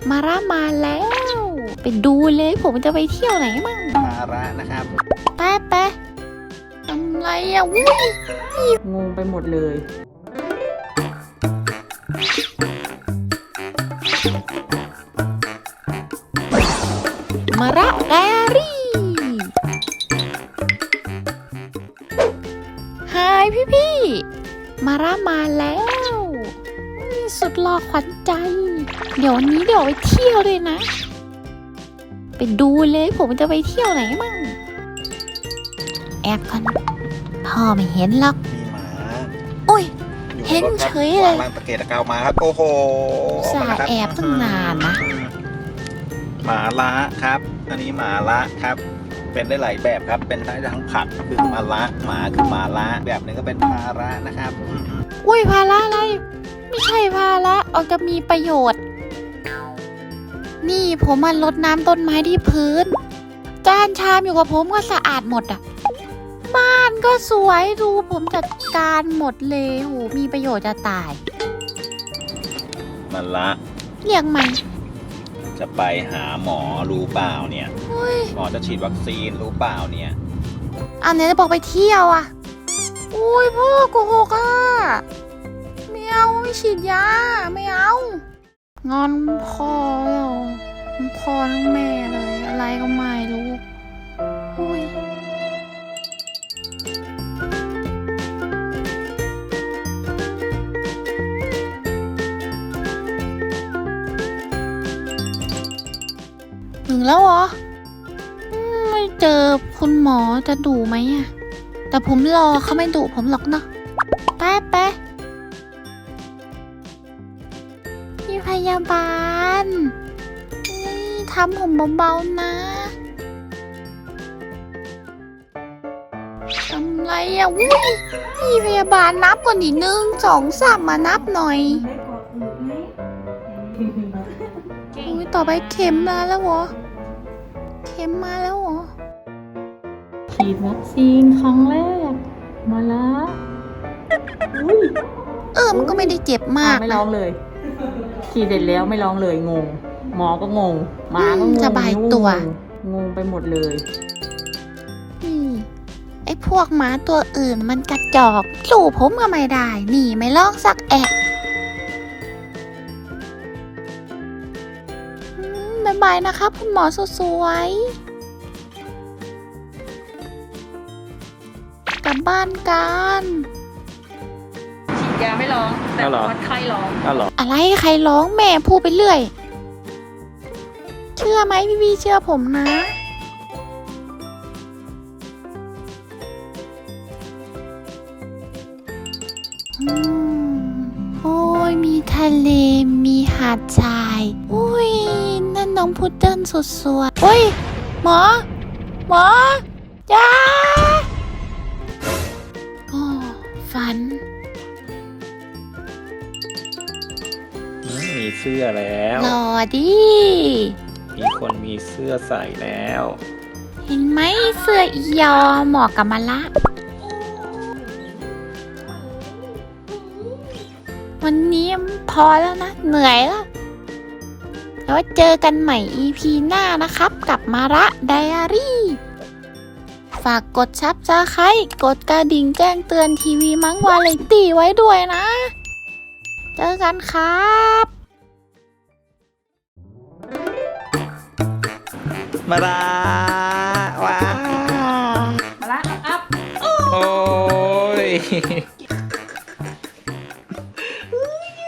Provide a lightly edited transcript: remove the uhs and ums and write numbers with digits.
มาระมาแล้วไปดูเลยผมจะไปเที่ยวไหนมั่งมาระนะครับแป๊ะแป๊ะทำไรอ่ะวุ้ยงงไปหมดเลยมาระไดอารี่ฮายพี่มาระมาแล้วนี่สุดหล่อขวัญใจ เดี๋ยววันนี้เดี๋ยวไปเที่ยวเลยนะไปดูเลยผมจะไปเที่ยวไหนมั่งแอบกันพ่อไม่เห็นหรอกมีหมาโอ้ยอยู่เห็นใรถครับเฉยเลยวางตะเกียกตะกาวมาครับ โอ้โหสาแอบตั้งนานนะหมาละครับ อันนี้หมาละครับ เป็นได้หลายแบบครับ เป็นได้ทั้งผักคือหมาละหมาคือหมาละแบบหนึงก็เป็นภาระนะครับอุ้ยภาระอะไร ไม่ใช่ภาระออกจะมีประโยชน์ นี่ผมมารดน้ำต้นไม้ที่พื้น จานชามอยู่กับผมก็สะอาดหมดอ่ะ บ้านก็สวยดูผมจัดการหมดเลยโหมีประโยชน์จะตายหมาละเรียกมันจะไปหาหมอรู้เปล่าเนี่ยอุ้ยหมอจะฉีดวัคซีนรู้เปล่าเนี่ยอันนี้จะบอกไปเที่ยวอ่ะ อุ้ยพ่อโกหกอ่ะไม่เอาไม่ฉีดยาไม่เอา งอนพ่อแล้วทั้งพ่อทั้งแม่เลยอะไรก็ไม่รู้อุ้ยถึงแล้วเหรอไม่เจอคุณหมอจะดุไหมอะแต่ผมรอเขาไม่ดุผมหรอกเนาะแป๊ะแป๊ะพี่พยาบาลทำผมเบาๆนะทำไรอะวุ้ยพี่พยาบาลนับก่อนดิ1 2 3มานับหน่อยอุ้ยต่อไปเข็มมาแล้วเหรอเข็มมาแล้วเหรอฉีดวัคซีนครั้งแรก มาละอุ้ยมันก็ไม่ได้เจ็บมากไม่นะร้องเลย ฉีดเสร็จแล้วไม่ร้องเลยงง หมอก็งงหมาก็งงสบายตัวงงไปหมดเลยไอ้พวกหมาตัวอื่นมันกระจอกสู้ผมก็ไม่ได้หนีไม่ลอกสักแอะบ๊ายบายนะครับคุณหมอสวยๆกลับบ้านกันฉีดยาไม่ร้อง แต่วัดไข้ร้องอ้าวเหรออะไรใครร้องแม่พูดไปเรื่อย เชื่อไหมพี่เชื่อผมนะโอ้ยมีทะเลมีหาดทรายอุ้ยนั่นน้องพุดเดิ้ลสุดสวยโอ้ยหมอจ้าโอ้ฝันมีเสื้อแล้วหล่อดิมีคนมีเสื้อใส่แล้วเห็นไหมเสื้ออียอเหมาะกับมาละวันนี้พอแล้วนะ เหนื่อยแล้วแล้วเจอกันใหม่ EP หน้านะครับกับมาระไดอารี่ ฝากกดซับสไครต์กดกระดิ่งแจ้งเตือนทีวีมังวาไรตี้ไว้ด้วยนะ เจอกันครับมาละว้ามาละอัพโอ้ย